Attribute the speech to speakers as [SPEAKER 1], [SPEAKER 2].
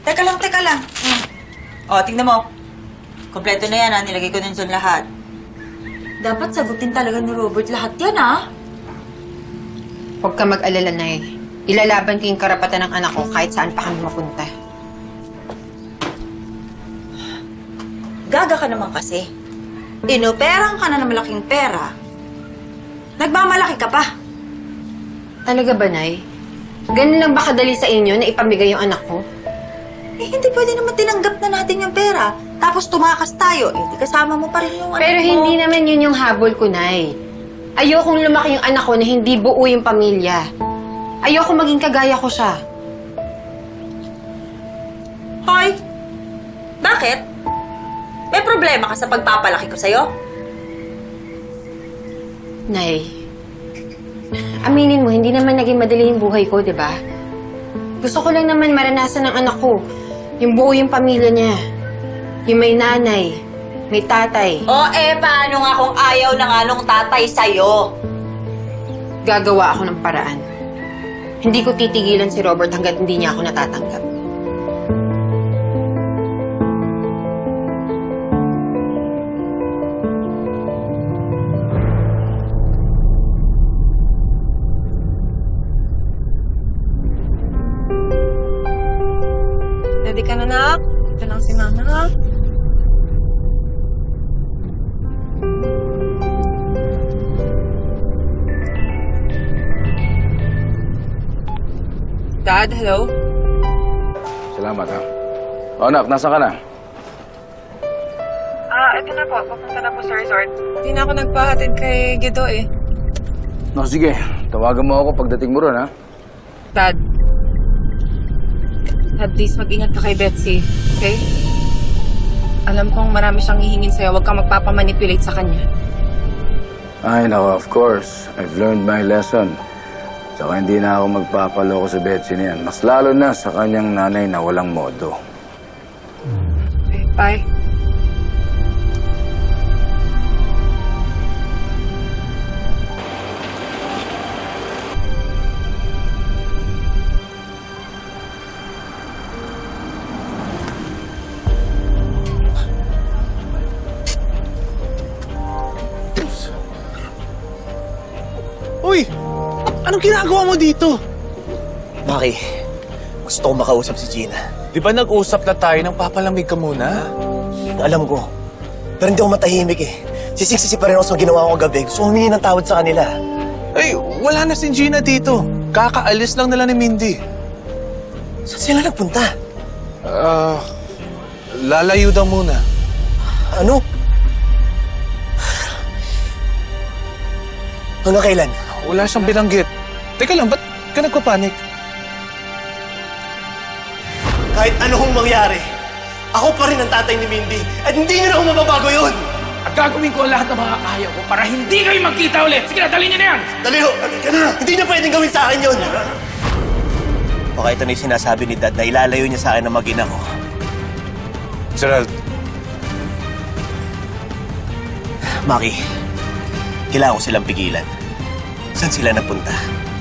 [SPEAKER 1] Teka lang, teka lang. O, tingnan mo. Kompleto na yan, ha? Nilagay ko na dyan lahat. Dapat sagutin talaga ni Robert lahat yan, ha?
[SPEAKER 2] Huwag ka mag-alala, Nay. Ilalaban ko yung karapatan ng anak ko kahit saan pa kami mapunta.
[SPEAKER 1] Gaga ka naman kasi. Inoperang ka na ng malaking pera. Nagmamalaki ka pa.
[SPEAKER 2] Talaga ba, Nay? Ganun lang ba kadali sa inyo na ipamigay yung anak ko?
[SPEAKER 1] Eh, hindi pwede naman tinanggap na natin yung pera. Tapos tumakas tayo. Eh, di kasama mo pa rin yung
[SPEAKER 2] Pero
[SPEAKER 1] anak mo.
[SPEAKER 2] hindi naman yun yung habol ko, Nay. Ayokong lumaki yung anak ko na hindi buo yung pamilya. Ayoko maging kagaya ko siya.
[SPEAKER 1] Hoy! Bakit? May problema ka sa pagpapalaki ko sa'yo?
[SPEAKER 2] Nay, aminin mo, hindi naman naging madali yung buhay ko, di ba? Gusto ko lang naman maranasan ng anak ko. Yung buo yung pamilya niya. Yung may nanay, may tatay.
[SPEAKER 1] O paano nga kung ayaw na nga nung tatay sa'yo?
[SPEAKER 2] Gagawa ako ng paraan. Hindi ko titigilan si Robert hanggat hindi niya ako natatanggap.
[SPEAKER 3] Ready ka na, nak? Ito lang si Mama, ha? Dad, hello?
[SPEAKER 4] Salamat, ha. O, anak, nasa ka na?
[SPEAKER 3] Ito na po. Papunta na po sa resort. Hindi na ako nagpahatid kay Guido, eh.
[SPEAKER 4] No, sige. Tawagan mo ako pagdating mo ron, ha?
[SPEAKER 3] Dad. Dad, please, mag-ingat ka kay Betsy, okay? Alam kong marami siyang hihingin sa'yo. Huwag kang magpapamanipulate sa kanya.
[SPEAKER 4] Ay, nako, of course. I've learned my lesson. Saka hindi na ako magpapaloko sa Betsy niyan. Mas lalo na sa kanyang nanay na walang modo.
[SPEAKER 3] Okay, bye.
[SPEAKER 5] Uy! Anong ginagawa mo dito?
[SPEAKER 6] Maki, gusto ko makausap si Gina.
[SPEAKER 5] Di ba nag-usap na tayo nang papalamig ka muna?
[SPEAKER 6] Alam ko. Pero hindi ako matahimik eh. Sisiksisi pa rin ako sa ginawa ko gabi. Gusto ko humingi ng tawad sa kanila.
[SPEAKER 5] Ay, wala na si Gina dito. Kakaalis lang nila ni Mindy.
[SPEAKER 6] Saan sila nagpunta?
[SPEAKER 5] Lalayo daw muna.
[SPEAKER 6] Ano? Hanggang kailan?
[SPEAKER 5] Wala siyang binanggit. Teka lang, ba't ka nagpapanik?
[SPEAKER 6] Kahit ano hong mangyari, ako pa rin ang tatay ni Mindy. At hindi niyo na ako mababago yun!
[SPEAKER 7] At gagawin ko ang lahat ng mga kaya ko para hindi kayo magkita ulit. Sige na, dali niyo na yan!
[SPEAKER 6] Dali ho! Ka na! Hindi niyo pwedeng gawin sa akin yun! Baka ito na yung sinasabi ni Dad na ilalayo niya sa akin ang mag-ina ko.
[SPEAKER 5] Gerald,
[SPEAKER 6] Maki, kailangan ko silang pigilan. Saan sila napunta?